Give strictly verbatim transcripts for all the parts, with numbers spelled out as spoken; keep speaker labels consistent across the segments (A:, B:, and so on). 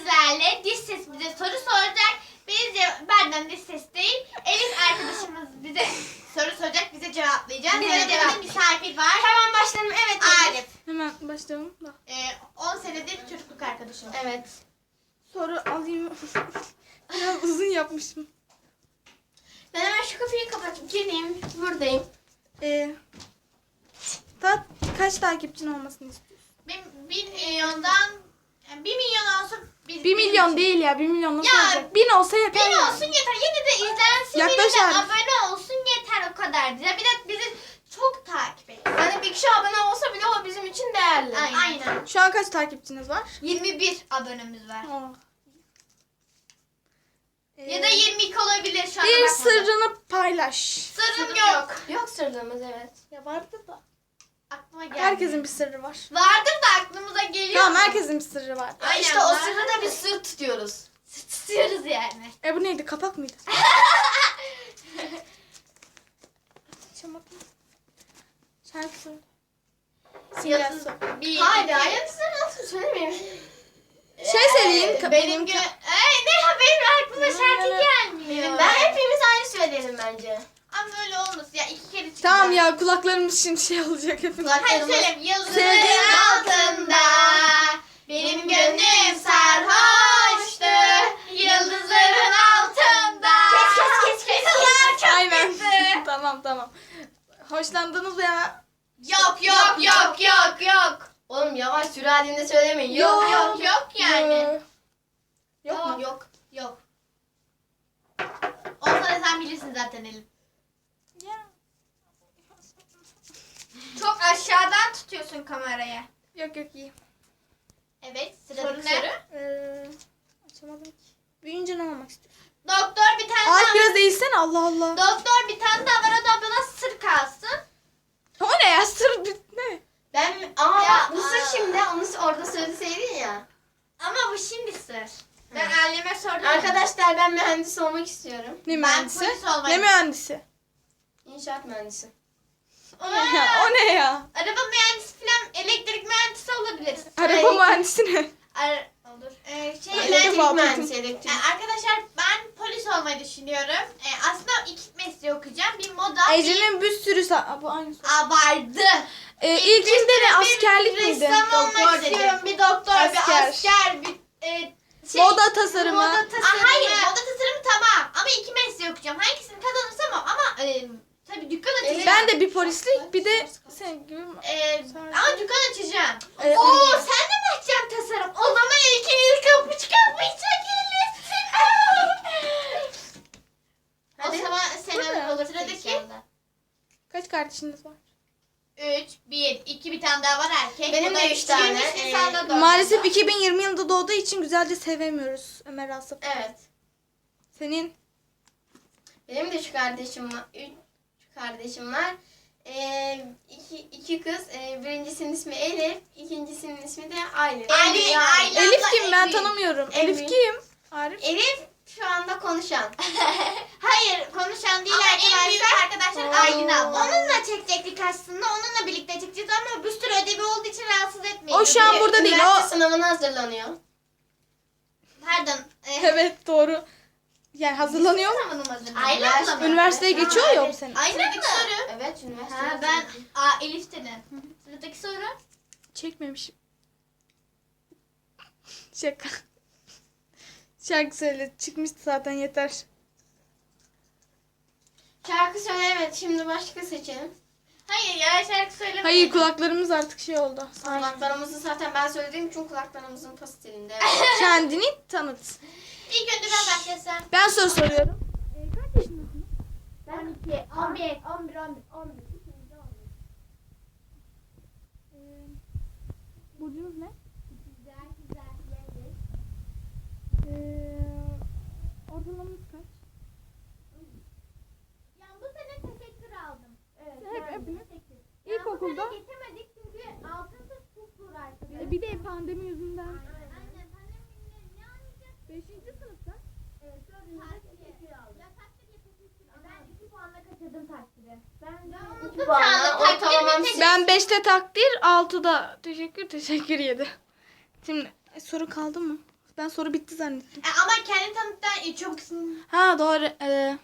A: sizlerle diş ses bize soru soracak. Biz ce- benden diş ses değil. Elif arkadaşımız bize soru soracak. Bize cevaplayacağız.
B: Bize
A: Bize
B: cevap.
A: bir misafir var.
B: Hemen başlayalım. Evet.
A: Arif.
C: Hemen başlayalım da.
A: Ee, on senedir çocukluk arkadaşım.
B: Evet.
C: Soru alayım. Biraz uzun yapmışım.
B: Ben hemen şu kapıyı kapatıp gireyim. Buradayım.
C: Ee, ta, kaç takipçin olmasını istiyorsun?
A: Bir, bir milyondan yani bir milyon olsun. Biz,
C: Bir milyon değil ya. Bir milyon nasıl
A: Ya,
C: olacak? Bin olsa yeter.
A: Bin
C: yani.
A: olsun yeter. Yine de izlensin.
C: Yaklaş
A: Yine de
C: Arif.
A: abone olsun yeter o kadar. Ya bir de bizi çok takip edin.
B: Yani bir kişi abone olsa bile o bizim için değerli.
A: Aynen. Aynen.
C: Şu an kaç takipçiniz var?
A: yirmi bir abonemiz var.
C: Oh. Ee,
A: Ya da yirmi iki olabilir şu an.
C: bir sırrını paylaş.
A: Sırrım yok.
B: Yok sırrımız evet.
C: Ya vardı da.
A: Aklıma geldi.
C: Herkesin bir sırrı var.
A: Vardır da aklımıza geliyor.
C: Tamam
A: mu?
C: herkesin bir sırrı var.
A: Aynen,
B: işte o
A: var.
B: sırrı da biz sır tutuyoruz.
A: Tutuyoruz yani.
C: E bu neydi? Kapak mıydı? Açamadım. Şarkı söyle.
A: Yıldız.
C: Simyası.
A: Bir,
B: Haydi
A: iki.
B: ayrıntısını nasıl söylemeyeyim.
C: Şey söyleyeyim.
A: Ee,
C: ka-
A: benim gö... Ay ne ha benim aklıma şarkı gelmiyor.
B: Ben hepimiz aynı söyleyelim bence.
A: Ama öyle olmasın ya iki kere çıktı.
C: Tamam ya kulaklarımız şimdi şey olacak hepimiz.
A: Hadi söyle. Yıldızın
C: Sevdiğin
A: altında benim gönlüm sarhoştu. Yıldızların altında.
B: Kes, kes, kes, kes.
A: Kızlar çok
C: Aynen.
A: kötü.
C: Tamam tamam. Hoşlandınız ya.
A: Yok yok yok yok yok.
B: Oğlum yavaş sürü halinde söylemeyin.
C: Yok.
B: Yok yok.
A: Yok yok yani.
C: Ee, Yok mu?
A: Yok yok. Olsa da sen bilirsin zaten Elif.
C: Ya.
A: Çok aşağıdan tutuyorsun kamerayı.
C: Yok yok iyi.
A: Evet
B: Soru
A: sıradaki
B: ne?
A: soru.
C: Ee, açamadım ki. Büyüyünce ne olmak istiyorsun?
A: Doktor bir tane
C: Ay
A: daha.
C: biraz eğilsene Allah Allah.
A: Doktor bir tane daha var o da bana sır kalsın.
C: O ne ya sır bir ne?
B: Ben ama
A: Ya,
B: bak, bu sır
A: aa.
B: şimdi onu orada söyleseydin ya.
A: Ama bu şimdi sır. Ben aileme sordum.
B: Arkadaşlar ben mühendis olmak istiyorum.
C: Ne
A: Ben
C: mühendisi?
A: polis olmayı-
C: Ne mühendisi?
B: İnşaat mühendisi.
A: Aa,
C: Ya, o ne ya?
A: araba mühendisi falan elektrik mühendisi olabilir.
C: Araba
B: Ay.
C: mühendisi ne?
A: Ar olur. Ee, şey,
C: Elektrik
B: Elektrik
C: bağlı.
B: mühendisi elektrik.
A: Ee, arkadaşlar ben polis olmayı düşünüyorum. Ee, aslında iki mesleği okuyacağım. Bir moda, bir
C: Ece'nin bir sürü sa- Aa, bu aynı soru.
A: abardı.
C: Ee, ilkinde ne askerlik
A: bir
C: miydi?
A: ressam olmak
B: Doktor
A: istiyorum. Bir doktor,
C: Asker.
A: bir asker, bir e, şey,
C: Moda tasarımı.
A: Moda tasarımı. Aa, hayır, moda tasarımı tamam. Ama iki mesleği okuyacağım. Hangisini kazanırsam o. Ama e, tabii dükkan açacağım.
C: Ben de bir polislik bir de sen gibi.
A: E, ama dükkan açacağım.
C: Ee,
A: Oo, sen de mi açacaksın tasarım? O zaman ikiniz kapı çıkarmayacak O
B: Hadi.
A: zaman
C: Bu
A: senin
C: ne?
A: olur sıradaki.
C: Kaç kardeşiniz var?
A: Üç, bir, iki bir tane daha var erkek.
B: Benim
A: O da
B: de üç tane.
A: yirmi
B: Ee,
A: Nisan'da doğdu.
C: Maalesef iki bin yirmi yılında doğduğu için güzelce sevemiyoruz Ömer Asaf.
B: Evet.
C: Senin
B: Benim de üç kardeşim var. Üç kardeşim var. Ee, iki, iki kız. Ee, birincisinin ismi Elif. İkincisinin ismi de Aylin.
A: Ali,
B: Yani-
A: Aylin.
C: Elif
A: abla
C: kim ben
A: en büyük.
C: tanımıyorum.
B: En
C: Elif
B: büyük.
C: kim? Arif.
B: Elif şu anda konuşan.
A: Hayır konuşan değil
B: Ama
A: arkadaşlar.
B: en büyük
A: arkadaşlar
C: Oo.
A: Aylin abla. Onunla çekecektik aslında. Onunla birlikte çekeceğiz ama bir sürü ödevi olduğu için rahatsız etmeyin.
C: O şu an
A: dedi.
C: burada değil,
B: Üniversite
C: o-
B: sınavına hazırlanıyor.
A: Pardon. E,
C: Evet doğru. Yani hazırlanıyor mu?
A: Sınavını mı hazırladın?
B: Aylin
A: Üniversite-
B: abla mı?
C: Üniversiteye
B: Evet.
C: geçiyor
B: Ha,
C: ya o
B: evet.
C: sene.
A: Aylin mı? Soru.
B: Evet üniversite.
A: Ha, ben Aa, Elif dedim. Sıradaki soru.
C: Çekmemişim. Şaka. Şarkı söyle. Çıkmıştı zaten yeter.
B: Şarkı söyle evet şimdi başka seçelim.
A: Hayır ya şarkı söyleme.
C: Hayır kulaklarımız artık şey oldu.
B: Kulaklarımızı zaten ben söylediğim için kulaklarımızın pastelinde.
C: Kendini tanıt.
A: İlk önce ben başlasam.
C: Ben soru soruyorum. Ee, kaç yaşındasın?
A: on iki, on bir, on bir, on bir, on bir.
C: Ee, burcunuz ne?
A: Güzel, güzel, yengeç.
C: Ee, ortalamanız kaç?
A: Ya bu sene teşekkür aldım. Evet.
C: Hep-
A: yani
C: hepiniz?
A: teşekkür.
C: İlkokulda?
A: Ya bu sene geçemedik çünkü altın kız çok uğraştık.
C: Ee, bir de pandemi yüzünden.
A: Aynen. Aynen. Pandemiyle ne anlayacak?
C: Beşinci sınıfta.
A: Evet, dördüncüde teşekkür aldım. Ya takdir yapabilirsin. Ben iki puanla kaçırdım takdiri. Ben de
B: iki puanla ortalamam sekiz.
C: Ben beşte takdir, altıda teşekkür teşekkür yedi. Şimdi e, soru kaldı mı? Ben soru bitti zannettim.
A: E, ama kendi tanıttan çok
C: Ha doğru. Ee,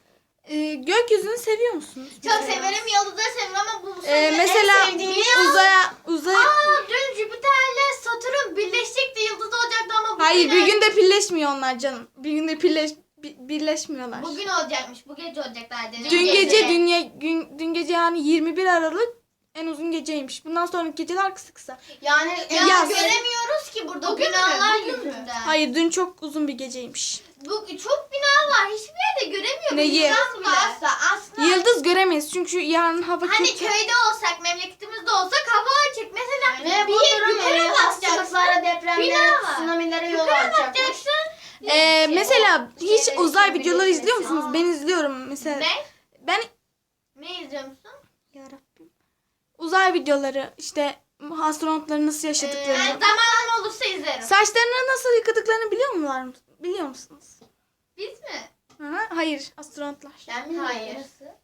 C: e, gökyüzünü seviyor musunuz?
A: çok severim. Yıldızları severim ama bu
C: Ee,
A: en
C: mesela
A: sevdiğim
C: uzaya uzay
A: Aa, dün Jüpiter'le Satürn birleşecekti, yıldız olacaktı ama bugün
C: Hayır, bir günde birleşmiyor onlar canım. Bir günde birleş bi- birleşmiyorlar.
A: Bugün olacakmış. Bu gece olacaklar dedi.
C: Dün gece dünya gün dün gece yani yirmi bir Aralık en uzun geceymiş. Bundan sonraki geceler kısa kısa.
B: Yani
A: Ya
C: Yaz.
A: göremiyoruz ki burada
B: Bugün mü?
A: binalar
B: Bugün mü?
A: yüzünden.
C: Hayır, dün çok uzun bir geceymiş.
A: Bu çok bina var. Hiçbir yerde göremiyoruz.
C: Neyi?
A: Yıldız varsa aslında
C: Yıldız göremeyiz çünkü yarın hava
A: hani
C: kötü.
A: köyde olsak, memleketimizde olsak hava açık. Mesela
B: ve
A: bir
B: bu
A: yer
B: durum
A: yukarı basacaksın.
B: hastalıklara,
A: Bina
B: depremlere,
A: var.
B: tsunamilere yol
A: Yukarı
B: açacakmış.
A: bakacaksın.
C: Ee, mesela
B: o
C: hiç
B: şeyleri
C: uzay
B: çok
C: videoları
B: birleşmesi.
C: izliyor musunuz?
A: Aa.
C: Ben izliyorum mesela.
A: Ne?
C: Ben
A: Ne izliyor musun?
C: Yarabbim. Uzay videoları işte astronotların nasıl
A: Ee,
C: yaşadıklarını.
A: zamanım olursa izlerim.
C: Saçlarını nasıl yıkadıklarını biliyor mular mı? Biliyor musunuz?
A: Biz mi?
C: Hı hı, hayır, astronotlar.
B: Ben mi? Hayır.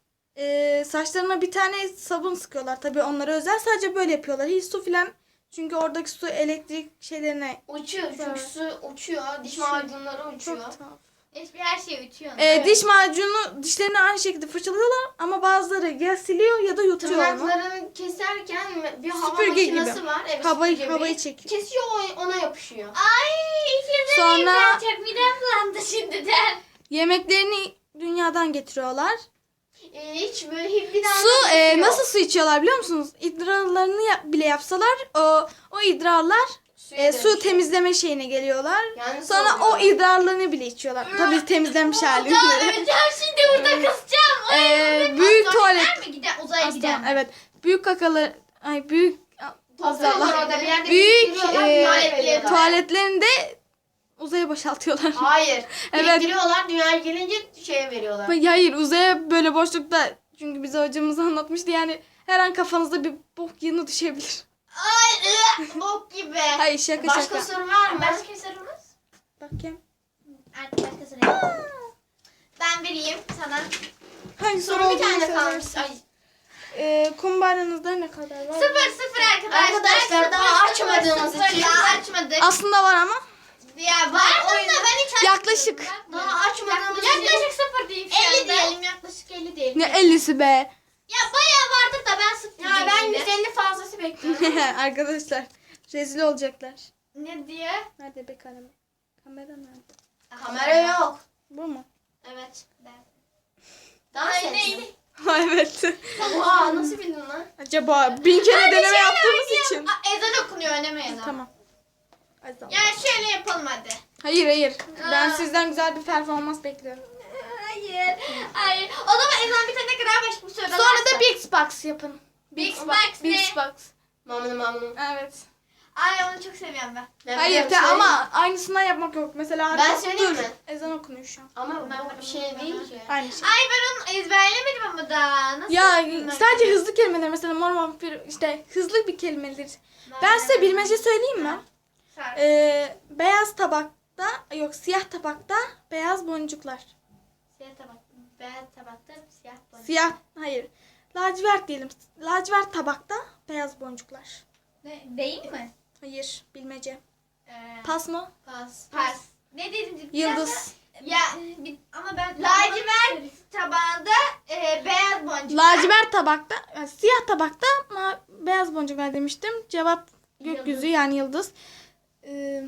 C: Ee, saçlarına bir tane sabun sıkıyorlar. Tabii onlara özel, sadece böyle yapıyorlar. Hiç su filan, çünkü oradaki su elektrik şeylerine
B: Uçuyor çünkü su uçuyor. Diş
C: Uçuyor.
B: macunları uçuyor.
C: çok tuhaf.
A: Hiçbir her şey uçuyor.
C: Ee, Diş macunu dişlerini aynı şekilde fırçalıyorlar ama bazıları ya siliyor ya da yutuyor onu.
B: Tırnaklarını keserken bir hava
C: Süpürge gibi.
B: makinesi var. Evet,
C: Havayı-
B: süpürge
C: havayı
B: gibi.
C: çekiyor.
B: Kesiyor, o- ona yapışıyor.
A: Ay ikizim
C: Sonra-
A: ben çok midem bulandı şimdiden.
C: Yemeklerini dünyadan getiriyorlar.
B: Ee, hiç böyle hiç bir daha
C: Su e, nasıl su içiyorlar biliyor musunuz? İdrarlarını yap- bile yapsalar o o idrarlar e, su temizleme şeyine geliyorlar.
B: Yani
C: Sonra o idrarlarını bile içiyorlar. Tabii temizlenmiş
A: Can
C: halinde.
A: öleceğim şimdi burada kısacağım. Ay,
C: Ee, büyük tuvalet.
A: mi? Giden, uzaya
C: Aslan,
A: giden.
C: evet. Büyük kakalı ay büyük
B: topluyorlar orada bir yerde
C: büyük
B: biriktiriyorlar,
C: e,
B: dünyaya veriyorlar.
C: tuvaletlerinde uzaya boşaltıyorlar.
B: Hayır.
C: Evet.
B: Biriktiriyorlar, dünyaya gelince şeye veriyorlar.
C: Hayır, uzaya böyle boşlukta, çünkü bize hocamız anlatmıştı, yani her an kafanızda bir bok yığını düşebilir.
A: Ay ıh, bok gibi.
C: Hayır, şaka
B: Başka
C: şaka.
B: soru var mı?
A: Başka sorumuz?
C: Bakayım.
A: Artık başka soru. Ben vereyim sana.
C: Hangi soru
B: Soru bir
C: olduğunu
B: tane kalmış.
C: söylersin.
B: Ay,
C: Ee, kumbaranızda ne kadar var?
A: Sıfır sıfır arkadaşlar.
B: Arkadaşlar,
A: Sıfır,
B: daha
A: sıfır,
B: açmadığımız
A: sıfır,
B: için-
A: Daha açmadık.
C: Aslında var ama.
A: Ya vardı da ben hiç açmadım.
C: Yaklaşık.
B: daha açmadığımız için-
A: Yaklaşık sıfır diyeyim şu
B: elli
A: anda.
B: diyelim,
A: yaklaşık elli diyelim.
C: Ne ellisi be.
A: Ya bayağı vardır da ben sıfır
B: Ya ben
A: diyeyim.
B: yüz elli fazlası bekliyorum.
C: Arkadaşlar rezil olacaklar.
A: Ne diye?
C: Nerede be kamera? Kamera nerede?
B: Kamera yok.
C: Bu mu?
B: Evet.
A: Ben.
B: Daha
A: Ay
B: ses.
A: neydi?
C: Ha, evet.
B: Oha, nasıl bildin lan?
C: Acaba bin kere
A: Hadi
C: deneme
A: şöyle
C: yaptığımız
A: oynayalım.
C: için.
A: Aa, ezan okunuyor oynamayalım.
C: Tamam. Hadi tamam.
A: Ya şöyle yapalım hadi.
C: Hayır hayır. Ben
A: Aa.
C: sizden güzel bir performans bekliyorum.
A: Hayır. Hayır. O zaman ezan bitene kadar başka bir soru
C: Sonra da Big Box yapın.
A: Big Box
C: Big
A: ne?
C: Box.
B: Mamını mamını.
C: Evet.
A: Ay onu çok seviyorum ben.
B: Ben
C: Hayır
B: biliyorum,
C: te,
B: söyleyeyim.
C: ama aynısından yapmak yok. Mesela
B: Ben söyleyeyim
C: dur,
B: mi?
C: ezan okunuyor şu an.
B: Ama bu bir şey değil ki.
C: Aynı şey.
A: Ay ben onu ezberlemedim ama da. Nasıl
C: Ya
A: yapayım ben?
C: sadece hızlı kelimeler, mesela mor vampir işte hızlı bir kelimedir. Ben size bilmece söyleyeyim mi?
A: Sar.
C: Ee, beyaz tabakta yok siyah tabakta beyaz boncuklar.
A: Siyah tabak. Beyaz tabakta siyah boncuk.
C: Siyah hayır. Lacivert diyelim. Lacivert tabakta beyaz boncuklar.
A: Ne, değil mi?
C: Hayır, bilmece.
A: Ee,
C: Pas mı?
A: Pas. Pas. Ne dedim?
C: Yıldız.
A: Ya bir, ama ben lacivert tabağında e, beyaz boncuk.
C: Lacivert tabakta, yani siyah tabakta ma- beyaz boncuklar demiştim. Cevap gökyüzü,
A: Yıldız.
C: yani yıldız. Ee,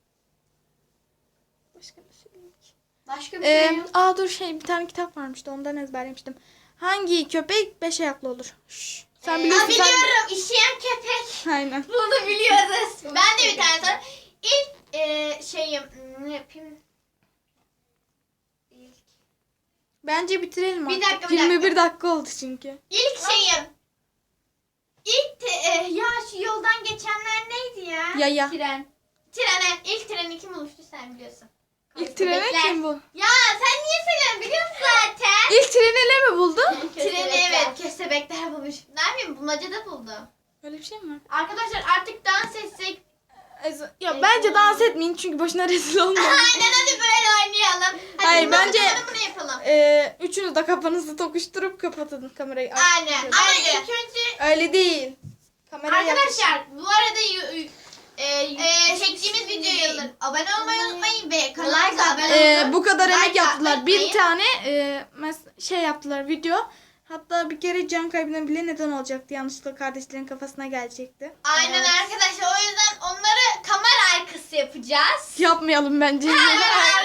C: başka ne söyleyeyim ki?
B: Başka bir şey
C: Ee,
B: yok.
C: aa dur şey bir tane kitap varmıştı, ondan ezberlemiştim. Hangi köpek beş ayaklı olur? Şşş, sen
A: Aa,
C: biliyorsun. sen-
A: biliyorum. İşeyen köpek.
C: Aynen.
A: Bunu biliyoruz. Ben de bir tane sor. İlk e, şeyim ne yapayım? İlk,
C: Bence bitirelim
A: Bir
C: artık.
A: dakika, bir
C: yirmi bir dakika oldu çünkü.
A: ilk şeyim. İlk te, e, ya şu yoldan geçenler neydi ya?
C: Yaya.
A: Tren. Trene. İlk treni kim oluştu sen biliyorsun.
C: İlk treni
A: Bekler.
C: kim bu?
A: Ya sen niye söylüyorsun biliyor musun zaten?
C: İlk treni ne mi buldu?
A: Treni evet köstebekler bulmuş. Ne yapayım bulmacada buldum.
C: Öyle bir şey mi var?
A: Arkadaşlar artık dans etsek.
C: Ez- Ya bence dans etmeyin çünkü boşuna rezil olmayın.
A: Aynen hadi böyle oynayalım. Hadi
C: Hayır,
A: bulmaca
C: bence-
A: bunu yapalım.
C: Ee, üçünüz de kafanızı tokuşturup kapatın kamerayı.
A: Aynen.
C: Şöyle.
A: Ama ilk önce
C: Öyle değil. Kameraya yaklaşın.
A: arkadaşlar bu arada yu- yu- e, e, çektiğimiz videoyu Arkadaşlar abone olmayı unutmayın ve kanalımıza
B: Like
A: abone
B: atmayı-
C: Ee, bu kadar
A: Like
C: emek yaptılar.
A: atmayı
C: Bir tane e, mes- şey yaptılar video. Hatta bir kere can kaybına bile neden olacaktı. Yanlışlıkla kardeşlerin kafasına gelecekti.
A: Aynen
B: Evet.
A: arkadaşlar o yüzden onları kamera arkası yapacağız.
C: Yapmayalım bence.
A: Kamera